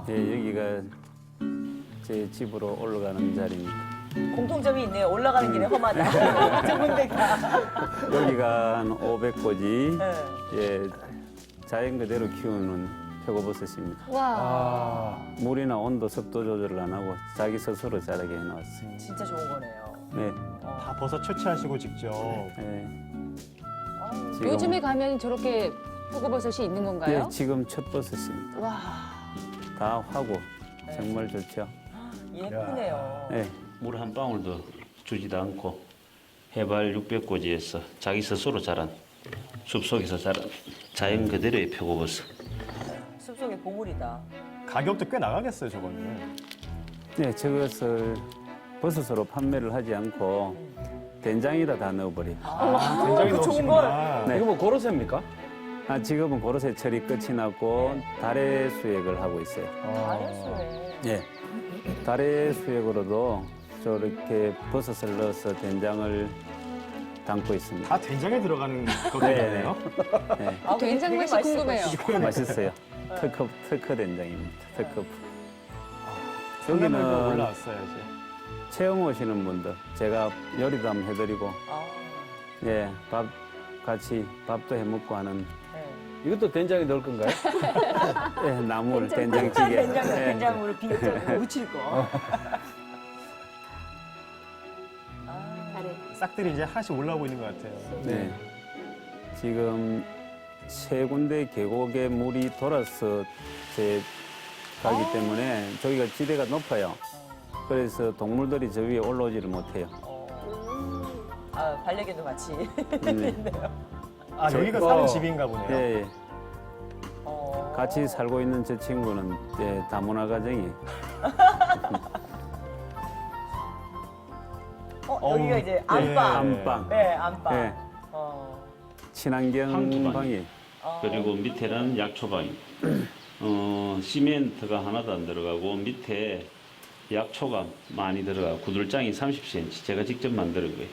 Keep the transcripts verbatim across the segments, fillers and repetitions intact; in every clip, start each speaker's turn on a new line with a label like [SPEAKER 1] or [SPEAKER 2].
[SPEAKER 1] 예, 여기가 제 집으로 올라가는 자리입니다.
[SPEAKER 2] 공통점이 있네요. 올라가는 길에 험하다. 두 군데 다.
[SPEAKER 1] 여기가 한 오백 고지
[SPEAKER 2] 네.
[SPEAKER 1] 예, 자연 그대로 키우는 표고버섯입니다.
[SPEAKER 3] 와.
[SPEAKER 4] 아,
[SPEAKER 1] 물이나 온도, 습도 조절을 안 하고 자기 스스로 자라게 해놨어요.
[SPEAKER 2] 진짜 좋은 거네요.
[SPEAKER 1] 네,
[SPEAKER 4] 다 버섯 채취하시고 직접.
[SPEAKER 1] 예,
[SPEAKER 2] 아유,
[SPEAKER 1] 지금,
[SPEAKER 3] 요즘에 가면 저렇게 표고버섯이 있는 건가요?
[SPEAKER 1] 예, 지금 첫 버섯입니다.
[SPEAKER 3] 와.
[SPEAKER 1] 다 하고 정말 좋죠.
[SPEAKER 2] 예쁘네요.
[SPEAKER 1] 네.
[SPEAKER 5] 물 한 방울도 주지도 않고 해발 육백 고지에서 자기 스스로 자란 숲속에서 자란 자연 그대로의 표고버섯.
[SPEAKER 2] 숲속의 보물이다.
[SPEAKER 4] 가격도 꽤 나가겠어요, 저거는.
[SPEAKER 1] 네, 저것을 버섯으로 판매를 하지 않고 된장에다 다 넣어버려요.
[SPEAKER 4] 아, 굉장히
[SPEAKER 2] 그 좋은
[SPEAKER 4] 넣으시구나.
[SPEAKER 1] 네.
[SPEAKER 6] 이거 뭐 고로쇠입니까?
[SPEAKER 1] 아, 지금은 고로쇠 처리 끝이 났고 달의 수액을 하고 있어요.
[SPEAKER 2] 아련수에.
[SPEAKER 1] 예, 달의 수액으로도 저렇게 버섯을 넣어서 된장을 담고 있습니다.
[SPEAKER 4] 다 된장에 들어가는 것들이네요.
[SPEAKER 1] 네,
[SPEAKER 2] 아, 근데
[SPEAKER 3] 된장
[SPEAKER 2] 되게
[SPEAKER 3] 맛이
[SPEAKER 2] 맛있을
[SPEAKER 3] 궁금해요.
[SPEAKER 2] 것 같아요.
[SPEAKER 1] 맛있어요. 특허 특허 된장입니다. 특허.
[SPEAKER 4] 여기는
[SPEAKER 1] 여기는
[SPEAKER 4] 올라왔어요, 이제.
[SPEAKER 1] 체험 오시는 분들 제가 요리도 한번 해드리고
[SPEAKER 2] 아,
[SPEAKER 1] 예, 밥 같이 밥도 해 먹고 하는
[SPEAKER 2] 네.
[SPEAKER 6] 이것도 된장에 넣을 건가요?
[SPEAKER 1] 예, 나물 된장찌개.
[SPEAKER 2] 된장,
[SPEAKER 1] 예.
[SPEAKER 2] 된장으로 비벼서 무칠 거. 아,
[SPEAKER 3] 잘해.
[SPEAKER 4] 싹들이 이제 하나씩 올라오고 있는 것 같아요.
[SPEAKER 1] 네. 지금 세 군데 계곡에 물이 돌아서 제 가기 때문에 저기가 지대가 높아요. 그래서 동물들이 저 위에 올라오지를 못해요.
[SPEAKER 2] 어. 아, 반려견도 같이
[SPEAKER 1] 네.
[SPEAKER 2] 있네요.
[SPEAKER 4] 아, 여기가
[SPEAKER 6] 어.
[SPEAKER 4] 사는 집인가 보네요.
[SPEAKER 1] 예, 예.
[SPEAKER 2] 어.
[SPEAKER 1] 같이 살고 있는 저 친구는 예, 다문화 가정이
[SPEAKER 2] 어, 여기가
[SPEAKER 4] 어우,
[SPEAKER 2] 이제
[SPEAKER 4] 예.
[SPEAKER 2] 안방.
[SPEAKER 1] 안방,
[SPEAKER 2] 네, 안방.
[SPEAKER 1] 예,
[SPEAKER 2] 어.
[SPEAKER 1] 친환경
[SPEAKER 5] 황토방이.
[SPEAKER 1] 방이
[SPEAKER 2] 어.
[SPEAKER 5] 그리고 밑에는 약초방입니다. 어, 시멘트가 하나도 안 들어가고 밑에 약초가 많이 들어가고 구들장이 삼십 센티미터 제가 직접 만드는 거예요.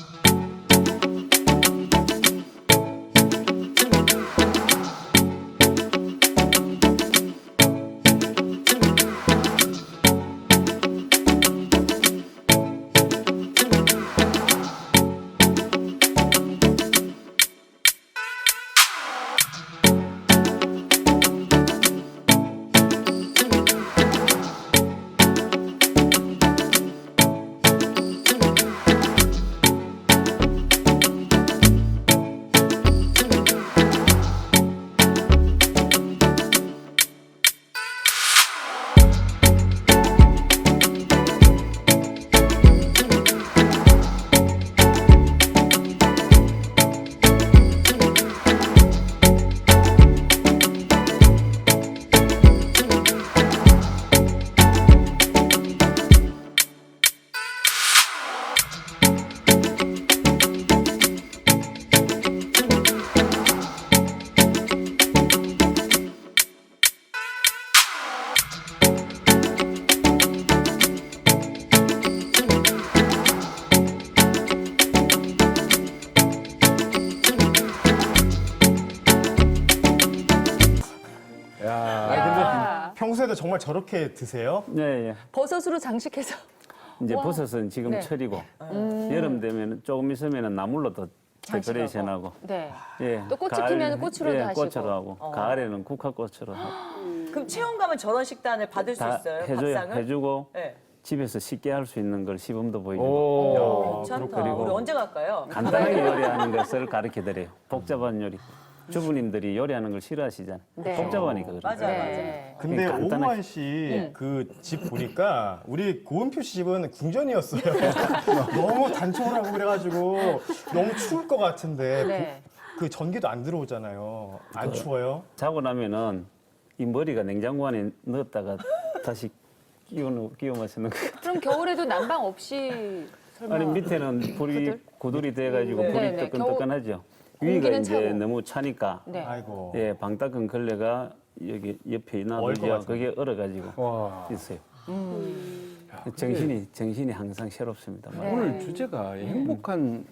[SPEAKER 6] 야,
[SPEAKER 3] 야.
[SPEAKER 4] 평소에도 정말 저렇게 드세요?
[SPEAKER 1] 네, 예.
[SPEAKER 3] 버섯으로 장식해서.
[SPEAKER 1] 이제
[SPEAKER 3] 와.
[SPEAKER 1] 버섯은 지금
[SPEAKER 3] 네.
[SPEAKER 1] 철이고
[SPEAKER 3] 음.
[SPEAKER 1] 여름 되면 조금 있으면 나물로 더 데코레이션하고
[SPEAKER 3] 네.
[SPEAKER 1] 예,
[SPEAKER 3] 또 꽃이
[SPEAKER 1] 가을-
[SPEAKER 3] 피면 꽃으로도
[SPEAKER 1] 예,
[SPEAKER 3] 하시고.
[SPEAKER 1] 꽃으로 하고
[SPEAKER 2] 어.
[SPEAKER 1] 가을에는 국화꽃으로 하고
[SPEAKER 2] 그럼 체험 가면 저런 식단을 받을 수
[SPEAKER 1] 다
[SPEAKER 2] 있어요?
[SPEAKER 1] 해줘요.
[SPEAKER 2] 밥상을?
[SPEAKER 1] 해주고
[SPEAKER 2] 네.
[SPEAKER 1] 집에서 쉽게 할 수 있는 걸 시범도 보여주고
[SPEAKER 6] 오.
[SPEAKER 2] 괜찮다.
[SPEAKER 1] 그리고-
[SPEAKER 2] 우리 언제 갈까요?
[SPEAKER 1] 간단하게 요리하는 것을 가르쳐 드려요. 복잡한 요리. 주부님들이 요리하는 걸 싫어하시잖아요.
[SPEAKER 3] 네.
[SPEAKER 1] 복잡하니까 그래요.
[SPEAKER 2] 맞아요,
[SPEAKER 3] 네.
[SPEAKER 4] 근데
[SPEAKER 1] 간단하게.
[SPEAKER 4] 오무환 씨 그 집 보니까 우리 고은표 씨 집은 궁전이었어요. 너무 단촐하고 그래가지고 너무 추울 것 같은데
[SPEAKER 3] 네.
[SPEAKER 4] 그 전기도 안 들어오잖아요. 안 추워요?
[SPEAKER 1] 자고 나면은 이 머리가 냉장고 안에 넣었다가 다시 끼워 끼워 마시는 거.
[SPEAKER 3] 그럼 겨울에도 난방 없이 설마.
[SPEAKER 1] 아니 밑에는 불이
[SPEAKER 3] 구들?
[SPEAKER 1] 고들이 돼가지고
[SPEAKER 2] 네.
[SPEAKER 1] 불이
[SPEAKER 3] 네, 네.
[SPEAKER 1] 뜨끈뜨끈하죠. 위가
[SPEAKER 3] 공기는
[SPEAKER 1] 이제
[SPEAKER 3] 차고.
[SPEAKER 1] 너무 차니까
[SPEAKER 3] 네.
[SPEAKER 4] 아이고.
[SPEAKER 1] 예 방따끈 걸레가 여기 옆에
[SPEAKER 4] 얼것
[SPEAKER 1] 놔두죠.
[SPEAKER 4] 같은데.
[SPEAKER 1] 그게 얼어가지고
[SPEAKER 6] 와.
[SPEAKER 1] 있어요.
[SPEAKER 3] 음.
[SPEAKER 1] 정신이 정신이 항상 새롭습니다.
[SPEAKER 3] 네.
[SPEAKER 6] 오늘 주제가 행복한